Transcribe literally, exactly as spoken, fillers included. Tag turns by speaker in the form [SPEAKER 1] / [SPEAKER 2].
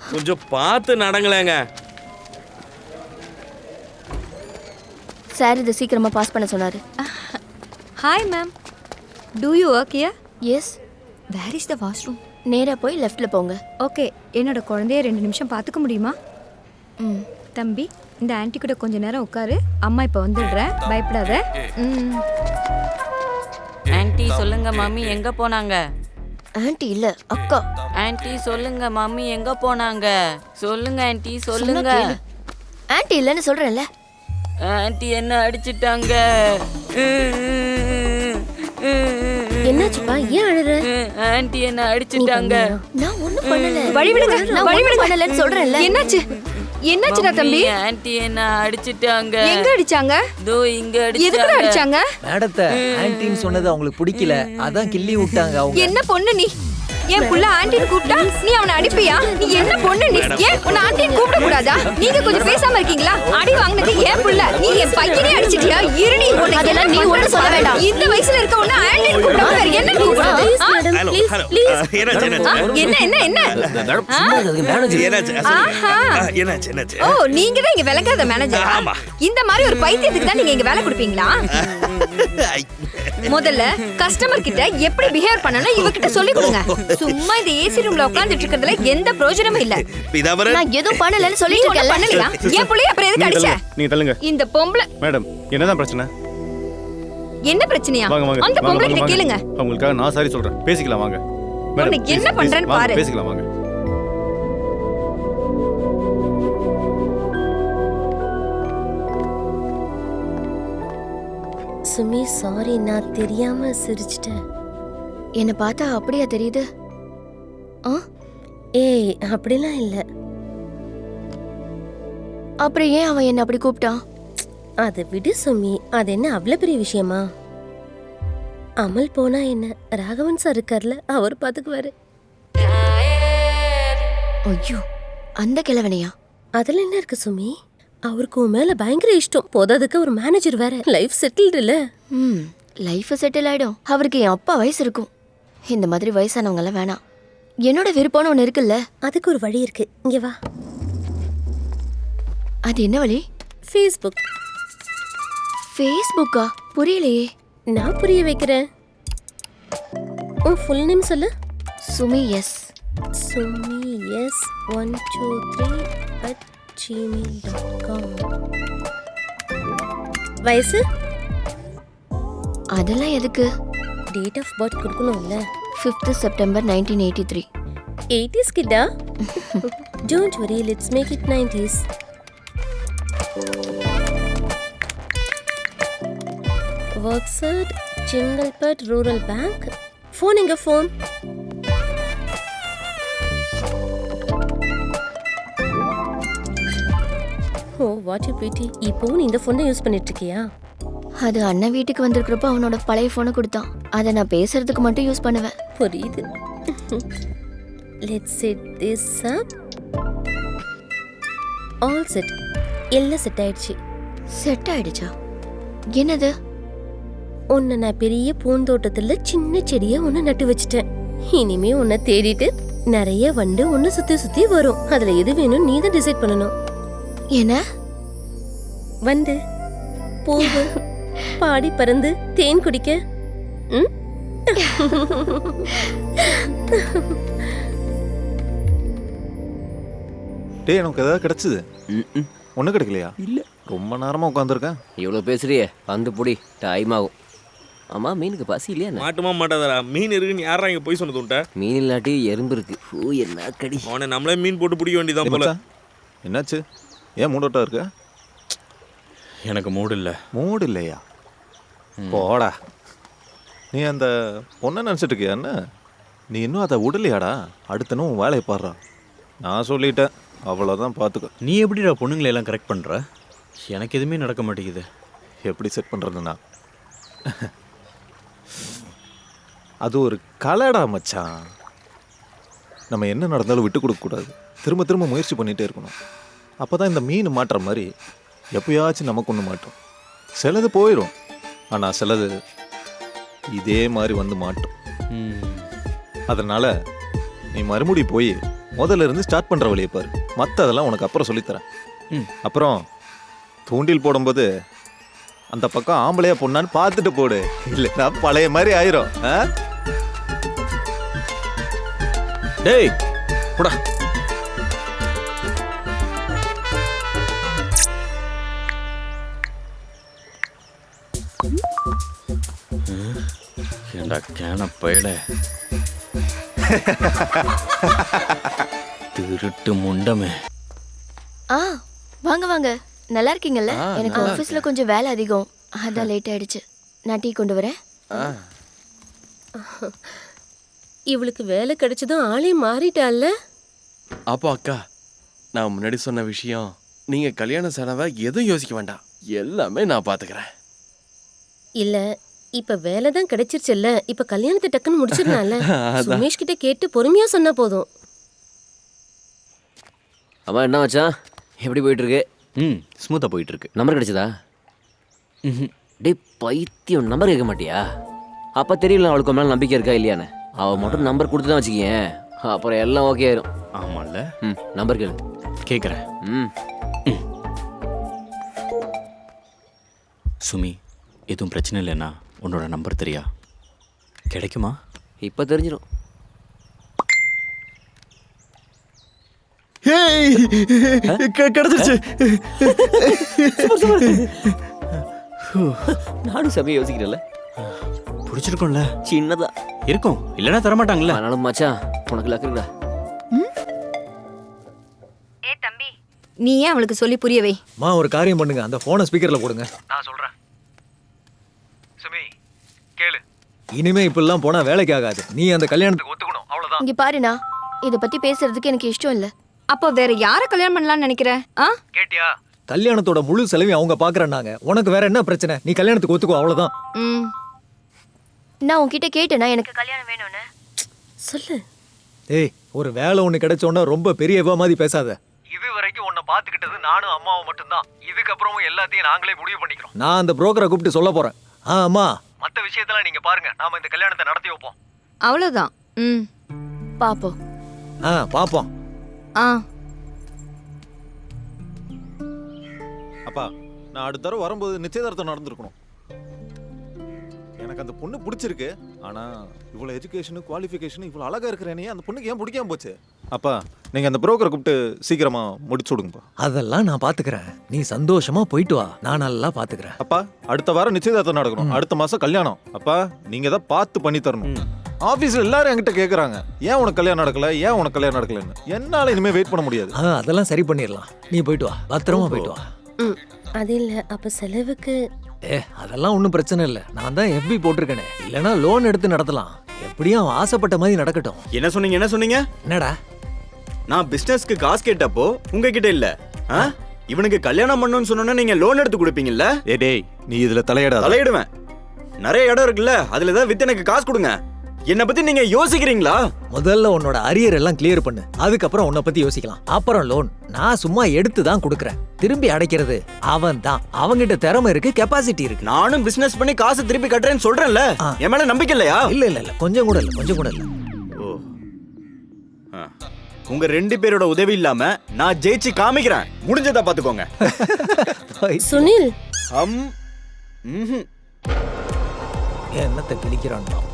[SPEAKER 1] கொஞ்சம் பார்த்து நடங்களேங்க.
[SPEAKER 2] சார் இதை சீக்கிரமா பாஸ் பண்ண சொன்னாரு.
[SPEAKER 3] Hi ma'am, do you work here?
[SPEAKER 2] Yes.
[SPEAKER 3] Where is the washroom?
[SPEAKER 2] நேரா போய் லெஃப்ட்ல போங்க.
[SPEAKER 3] ஓகே, என்னோட குழந்தைய ரெண்டு நிமிஷம் பார்த்துக்க முடியுமா?
[SPEAKER 2] ம்.
[SPEAKER 3] தம்பி, இந்த ஆன்ட்டி கூட கொஞ்ச நேரம் உட்காரு. அம்மா இப்போ வந்துடுறேன், பயப்படாத. ம்.
[SPEAKER 4] ஆன்ட்டி சொல்லுங்க மம்மி எங்க போனாங்க?
[SPEAKER 2] ஆன்ட்டி இல்ல, அக்கா.
[SPEAKER 4] ஆன்ட்டி சொல்லுங்க மம்மி எங்க போனாங்க? சொல்லுங்க ஆன்ட்டி சொல்லுங்க.
[SPEAKER 2] ஆன்ட்டி இல்லன்னு சொல்றேன்ல.
[SPEAKER 4] ஆன்ட்டி என்ன அடிச்சிட்டாங்க.
[SPEAKER 2] என்னாச்சுப்பா, ஏன் அழுற?
[SPEAKER 4] ஆன்ட்டி என்ன அடிச்சிட்டாங்க.
[SPEAKER 2] நான் ஒண்ணும் பண்ணல.
[SPEAKER 3] வழி விடுங்க,
[SPEAKER 2] நான்
[SPEAKER 3] வழி
[SPEAKER 2] ஒண்ணும்
[SPEAKER 3] விடுங்க.
[SPEAKER 2] பண்ணலன்னு சொல்றேன்ல.
[SPEAKER 3] என்னாச்சு? என்னாச்சுடா தம்பி?
[SPEAKER 4] ஆன்ட்டி என்ன அடிச்சிட்டாங்க.
[SPEAKER 3] எங்க அடிச்சாங்க?
[SPEAKER 4] தோ இங்க
[SPEAKER 3] எதுக்குடா
[SPEAKER 4] அடிச்சாங்க.
[SPEAKER 3] அடிச்சாங்க?
[SPEAKER 5] மேடத்தை ஆன்ட்டின்னு சொன்னது அவங்களுக்கு பிடிக்கல, அதான் கிள்ளி விட்டாங்க அவங்க.
[SPEAKER 3] என்ன பொண்ணு நீ? என் புள்ள ஆன்ட்டின்னு கூப்பிட்டா நீ அவனை அடிப்பியா? நீ என்ன பொண்ணு நீ? ஏன் உன்னை ஆன்ட்டின்னு கூப்பிட கூடாதா? நீங்க கொஞ்சம் பேசாம இருக்கீங்களா? அடி வாங்கினது ஏன் புள்ள? நீ என் பையனே அடிச்சிட்டியா? இருடி, உன்னை
[SPEAKER 2] அதெல்லாம் நீ ஒண்ணும் சொல்ல வேண்டாம்.
[SPEAKER 3] இந்த வயசுல இருக்க உன்னை ஆன்ட்டின்னு கூப்பிட வேற என்ன கூப்பிடுறது?
[SPEAKER 1] Hello hello. என்னாச்சு என்னாச்சு?
[SPEAKER 3] என்ன என்ன என்ன?
[SPEAKER 1] என்னாச்சு?
[SPEAKER 3] ஆஹா.
[SPEAKER 1] என்னாச்சு என்னாச்சு?
[SPEAKER 3] ஓ, நீங்க தான் இங்க விளங்காத மேனேஜர்.
[SPEAKER 1] ஆமா.
[SPEAKER 3] இந்த மாதிரி ஒரு பைத்தியத்துக்கு தான் நீங்க இங்க வேலை கொடுப்பீங்களா? முதல்ல கஸ்டமர் கிட்ட எப்படி பிஹேவ் பண்ணனும் இவகிட்ட சொல்லி கொடுங்க. சும்மா இந்த ஏசி ரூம்ல உட்கார்ந்துட்டு இருக்கிறதுல எந்த பிரயோஜனமும் இல்ல.
[SPEAKER 1] இதவர
[SPEAKER 2] நான் எதுவும் பண்ணலன்னு சொல்லிட்டு இருக்கேன்ல.
[SPEAKER 3] பண்ணலையா? என் புள்ளைய அப்புறம் எதுக்கு அடிச்ச?
[SPEAKER 6] நீங்க தள்ளுங்க
[SPEAKER 3] இந்த பொம்பளை
[SPEAKER 6] மேடம். என்னதான் பிரச்சனை?
[SPEAKER 3] என்ன பிரச்சனையா?
[SPEAKER 6] வாங்க வாங்க
[SPEAKER 3] அந்த பொம்பளை கிட்ட
[SPEAKER 6] வாங்க.
[SPEAKER 3] கேளுங்க.
[SPEAKER 6] உங்களுக்காக நான் சாரி சொல்றேன், பேசிக்கலாம் வாங்க.
[SPEAKER 3] உன்னை என்ன
[SPEAKER 6] please,
[SPEAKER 3] பண்றேன்னு
[SPEAKER 6] please, வாங்க,
[SPEAKER 3] பாரு.
[SPEAKER 6] பேசிக்கலாம் வாங்க.
[SPEAKER 7] சுமி, சாரி, நான் தெரியாம சிரிச்சிட்டேன்.
[SPEAKER 2] என்ன பார்த்தா அப்படியா தெரியுது? ஆ,
[SPEAKER 7] ஏய், அப்படிலாம் இல்ல.
[SPEAKER 2] அப்புறம் ஏன் அவன் என்ன அப்படி கூப்பிட்டான்?
[SPEAKER 7] அதை விடு சுமி, அது என்ன அவ்வளவு பெரிய விஷயமா? அமல் போனா என்ன, ராகவன் சார் இருக்கார்ல, அவர் பாத்துக்குவாரு.
[SPEAKER 2] ஐயோ, அந்த கிழவனையா?
[SPEAKER 7] அதுல என்ன இருக்கு சுமி? அவருக்கு உன் மேல பயங்கர இஷ்டம். போதாதுக்கு ஒரு மேனேஜர் வேற. லைஃப் செட்டில்டு இல்ல?
[SPEAKER 2] ம், லைஃப் செட்டில் ஆயிடும். அவருக்கு என் அப்பா வயசு இருக்கும். இந்த மாதிரி வயசானவங்க எல்லாம் வேணாம். என்னோட விருப்பம்னு ஒண்ணு இருக்குல்ல.
[SPEAKER 7] அதுக்கு ஒரு வழி இருக்கு, இங்க வா.
[SPEAKER 2] அது என்ன வழி?
[SPEAKER 7] ஃபேஸ்புக்.
[SPEAKER 2] ஃபேஸ்புக்கா? புரியலையே.
[SPEAKER 7] நான் புரிய வைக்கிறேன். உன் ஃபுல் நேம் சொல்லு.
[SPEAKER 2] Sumi S.
[SPEAKER 7] Sumi S one two three at Gmail dot com. வயசு?
[SPEAKER 2] அதெல்லாம் எதுக்கு?
[SPEAKER 7] டேட் ஆஃப் பர்த் கொடுக்கணும்ல.
[SPEAKER 2] Fifth September nineteen eighty three.
[SPEAKER 7] Eighties கிட்டா? Don't worry, let's make it nineties. Works at Chengalpattu rural bank. Phone எங்க? Phone oh, what you பிடி. இப்போ நீ இந்த ஃபோனை யூஸ் பண்ணிட்டு இருக்கியா?
[SPEAKER 2] அது அண்ணன் வீட்டுக்கு வந்திருக்கிறப்ப அவனோட பழைய ஃபோனை கொடுத்தான். அதை நான் பேசுறதுக்கு மட்டும் யூஸ் பண்ணுவேன்.
[SPEAKER 7] புரியுது. Let's set this up. All set. எல்லாம் செட் ஆயிடுச்சு.
[SPEAKER 2] செட் ஆயிடுச்சா? என்னது?
[SPEAKER 7] உன்னை நான் பெரிய பூந்தோட்டத்துல சின்ன செடியை ஒன்று நட்டு வச்சுட்டேன். இனிமே உன்னை தேடிட்டு நிறைய வண்டு ஒன்று சுத்தி சுத்தி வரும். அதுல எது வேணும் நீ தான் டிசைட் பண்ணணும்.
[SPEAKER 2] என்ன?
[SPEAKER 7] வண்டு, பூவு, பாடி பறந்து தேன் குடிக்க. ம்?
[SPEAKER 8] டேய், எனக்கு ஏதாவது கிடைச்சது? ஒன்றும் கிடைக்கலையா? இல்லை, ரொம்ப நேரமாக உட்காந்துருக்கேன்.
[SPEAKER 9] இவ்வளோ பேசுறியே, வந்து புடி, டைம் ஆகும். ஆமா, மீனுக்கு பசி இல்லையா?
[SPEAKER 1] மாட்டுமா மாட்டாதடா. மீன் இருக்குன்னு யாரா இங்க போய் சொன்னது உன்ட்ட?
[SPEAKER 9] மீன் இல்லாட்டி எறும்பு இருக்கு. ஓ, என்ன கடி.
[SPEAKER 1] அவனை நம்மளே மீன் போட்டு பிடிக்க வேண்டியதான் போல.
[SPEAKER 8] என்னாச்சு? ஏன் மூடோட்டா இருக்க?
[SPEAKER 1] எனக்கு மூடு இல்லை.
[SPEAKER 8] மூடு இல்லையா? போடா. நீ அந்த பொண்ணை நினச்சிட்டு இருக்கியா? என்ன நீ இன்னும் அதை விடலையாடா? அடுத்தனும் உன் வேலையை பாடுறா. நான் சொல்லிட்டேன், அவ்வளோதான், பார்த்துக்க.
[SPEAKER 10] நீ எப்படிடா பொண்ணுங்களை எல்லாம் கரெக்ட் பண்ணுற? எனக்கு எதுவுமே நடக்க மாட்டேங்குது.
[SPEAKER 8] எப்படி செட் பண்ணுறதுண்ணா? அது ஒரு கலைடா மச்சான். நம்ம என்ன நடந்தாலும் விட்டு கொடுக்கக்கூடாது. திரும்ப திரும்ப முயற்சி பண்ணிகிட்டே இருக்கணும். அப்போ தான் இந்த மீன் மாட்டுற மாதிரி எப்போயாச்சும் நமக்கு ஒன்று மாட்டோம். சிலது போயிடும், ஆனால் சிலது இதே மாதிரி வந்து மாட்டோம். அதனால் நீ மறுபடி போய் முதல்ல இருந்து ஸ்டார்ட் பண்ற வழியை பாரு. மற்றதெல்லாம் உனக்கு அப்புறம் சொல்லித்தரேன். ம் அப்புறம் தூண்டில் போடும்போது அந்த பக்கம் ஆம்பளையா பொண்ணான்னு பார்த்துட்டு போடு, இல்லைன்னா பழைய மாதிரி ஆயிரும். ஆ?
[SPEAKER 10] டேய் போடா.
[SPEAKER 1] ஏண்டா கேன பயல திருட்டு முண்டமே.
[SPEAKER 2] ஆ வாங்க வாங்க, நல்லா இருக்கீங்கல்ல? எனக்கு ஆஃபீஸ்ல கொஞ்சம் வேலை அதிகம், அதான் லேட் ஆயிடுச்சு. நான் டீ கொண்டு வரேன்.
[SPEAKER 7] இவளுக்கு வேலை கிடைச்சதும் ஆளே மாறிட்டாள்ல.
[SPEAKER 11] அப்போ அக்கா, நான் முன்னாடி சொன்ன விஷயம், நீங்க கல்யாண செலவை எதுவும் யோசிக்க வேண்டாம், எல்லாமே நான் பாத்துக்கிறேன்.
[SPEAKER 7] இல்ல இப்ப வேலை தான் கிடைச்சிருச்சுல்ல, இப்ப கல்யாணத்தை டக்குன்னு முடிச்சிடலாம்ல. சுமேஷ் கிட்ட கேட்டு பொறுமையா சொன்னா போதும்.
[SPEAKER 9] அம்மா என்ன மச்சான், எப்படி போயிட்டு இருக்கு?
[SPEAKER 10] ம் ஸ்மூத்தாக போயிட்டு இருக்கு.
[SPEAKER 9] நம்பர் கிடைச்சதா? டே பைத்தியம், நம்பர் கேட்க மாட்டியா? அப்ப தெரியல அவளுக்கு மேல நம்பிக்கை இருக்கா இல்லையான்னு. அவ மட்டும் நம்பர் கொடுத்து தான் வச்சுக்கேன், அப்புறம் எல்லாம் ஓகே ஆயிரும்.
[SPEAKER 10] ஆமாம்ல.
[SPEAKER 9] ம் நம்பர் கேளு.
[SPEAKER 10] கேட்குறேன்.
[SPEAKER 9] ம்
[SPEAKER 10] சுமி, எதுவும் பிரச்சனை இல்லைன்னா உன்னோட நம்பர் தெரியா கிடைக்குமா?
[SPEAKER 9] இப்போ தெரிஞ்சிடும்.
[SPEAKER 11] கிடைச்சிருச்சு.
[SPEAKER 9] நானும் சமயம் யோசிக்கிறேன்ல.
[SPEAKER 10] பிடிச்சிருக்கோம்ல?
[SPEAKER 9] சின்னதா
[SPEAKER 10] இருக்கும், இல்லைன்னா தரமாட்டாங்களே.
[SPEAKER 9] ஆனாலும் மச்சான் உனக்கு லக்கு இருக்குடா.
[SPEAKER 3] ஏ தம்பி, நீ ஏன் அவளுக்கு சொல்லி புரிய வை.
[SPEAKER 5] மா ஒரு காரியம் பண்ணுங்க, அந்த போனை ஸ்பீக்கர்ல போடுங்க. நான் சொல்றேன். சுமி கேளு, இனிமே இப்பெல்லாம் போனா வேலைக்கு ஆகாது. நீ அந்த கல்யாணத்துக்கு ஒத்துக்கணும், அவ்வளவுதான்.
[SPEAKER 2] இங்க பாருண்ணா, இத பத்தி பேசுறதுக்கு எனக்கு இஷ்டம் இல்ல.
[SPEAKER 3] அப்போ வேற யார கல்யாணம் பண்ணலாம்னு நினைக்கிற? ஆ
[SPEAKER 5] கேட்டியா? கல்யாணத்தோட முழு செலவையும் அவங்க பாக்குறேன்னாங்க. உனக்கு வேற என்ன பிரச்சனை? நீ கல்யாணத்துக்கு ஒத்துக்கோ, அவ்வளவுதான்.
[SPEAKER 3] ம்
[SPEAKER 2] நான் உன்கிட்ட கேட்டேனா எனக்கு கல்யாணம் வேணும்னு?
[SPEAKER 7] சொல்லு.
[SPEAKER 5] ஏய், ஒரு வேலை ஒண்ணு கிடைச்சோன்னா ரொம்ப பெரிய இவ மாதிரி பேசாத. இது வரைக்கும் உன்னை பாத்துக்கிட்டது நானும் அம்மாவும் மட்டும்தான். இதுக்கப்புறமும் எல்லாத்தையும் நாங்களே முடிவு பண்ணிக்கிறோம். நான் அந்த புரோக்கரை கூப்பிட்டு சொல்ல போறேன். ஆ அம்மா, மத்த விஷயத்தெல்லாம் நீங்க பாருங்க, நாம இந்த கல்யாணத்தை நடத்தி வைப்போம்.
[SPEAKER 3] அவ்வளவுதான். ம்
[SPEAKER 2] பாப்போம்.
[SPEAKER 5] ஆ பாப்போம்.
[SPEAKER 3] ஆ
[SPEAKER 8] அப்பா, நான் அடுத்த தடவை வரும்போது நிச்சயதார்த்தம் நடந்திருக்கணும். எனக்கு அந்த பொண்ணு பிடிச்சிருக்கு, ஆனா இவ்வளவு எஜுகேஷன் குவாலிஃபிகேஷன் இவ்வளவு அழகா இருக்கிறேனே, அந்த பொண்ணுக்கு ஏன் பிடிக்காம போச்சு? அப்பா, நீங்க அந்த புரோக்கரை கூப்பிட்டு சீக்கிரமா முடிச்சு விடுங்கப்பா.
[SPEAKER 5] அதெல்லாம் நான் பாத்துக்கிறேன், நீ சந்தோஷமா போயிட்டு வா, நான் நல்லா பாத்துக்கிறேன்.
[SPEAKER 8] அப்பா, அடுத்த வாரம் நிச்சயதார்த்தம் நடக்கணும், அடுத்த மாசம் கல்யாணம். அப்பா, நீங்க தான் பார்த்து பண்ணி தரணும். ஆபீஸ்ல எல்லாரும் என்கிட்ட கேக்குறாங்க, ஏன் உனக்கு கல்யாணம் நடக்கல, ஏன் உனக்கு கல்யாணம் நடக்கலன்னு. என்னால இனிமே வெயிட் பண்ண முடியாது.
[SPEAKER 5] ஆ அதெல்லாம் சரி பண்ணிடலாம், நீ போயிட்டு வா, பத்திரமா போயிட்டு வா.
[SPEAKER 7] ம் அது இல்ல, அப்ப செலவுக்கு.
[SPEAKER 5] ஏ அதெல்லாம் ஒன்றும் பிரச்சனை இல்லை, நான் தான் எஃபி போட்டிருக்கேனே, இல்லைன்னா லோன் எடுத்து நடத்தலாம். எப்படியும் அவன் ஆசைப்பட்ட மாதிரி நடக்கட்டும்.
[SPEAKER 10] என்ன சொன்னீங்க என்ன சொன்னீங்க?
[SPEAKER 5] என்னடா?
[SPEAKER 10] நான் பிசினஸ்க்கு காசு கேட்டப்போ உங்ககிட்ட இல்ல, ஆ? இவனுக்கு கல்யாணம் பண்ணணும்னு சொன்னோன்னா நீங்க லோன் எடுத்து கொடுப்பீங்கல்ல?
[SPEAKER 8] ஏ டேய், நீ இதுல தலையிடாத.
[SPEAKER 10] தலையிடுவேன். நிறைய இடம் இருக்குல்ல, அதுல ஏதாவது வித்து எனக்கு காசு கொடுங்க. என்ன பத்தி நீங்க யோசிக்கிறீங்களா?
[SPEAKER 5] முதல்ல உன்னோட அரியர் எல்லாம் கிளியர் பண்ணு, அதுக்கப்புறம் உன்னை பத்தி யோசிக்கலாம். அப்புறம் லோன் நான் சும்மா எடுத்து தான் கொடுக்கறேன், திரும்பி அடைக்கிறது அவன் தான். அவங்கிட்ட திறமை இருக்கு, கெப்பாசிட்டி இருக்கு.
[SPEAKER 10] நானும் பிசினஸ் பண்ணி காசு திருப்பி கட்டுறேன்னு சொல்றேன்ல, என் மேல நம்பிக்கை இல்லையா?
[SPEAKER 5] இல்ல இல்ல இல்ல, கொஞ்சம் கூட இல்ல, கொஞ்சம் கூட இல்ல.
[SPEAKER 10] ஓ, உங்க ரெண்டு பேரோட உதவி இல்லாம நான் ஜெயிச்சு காமிக்கிறேன், முடிஞ்சதா பாத்துக்கோங்க.
[SPEAKER 7] சுனில்,
[SPEAKER 10] அம் ம்ஹும்.
[SPEAKER 5] என்னத்தை கிழிக்கிறான்?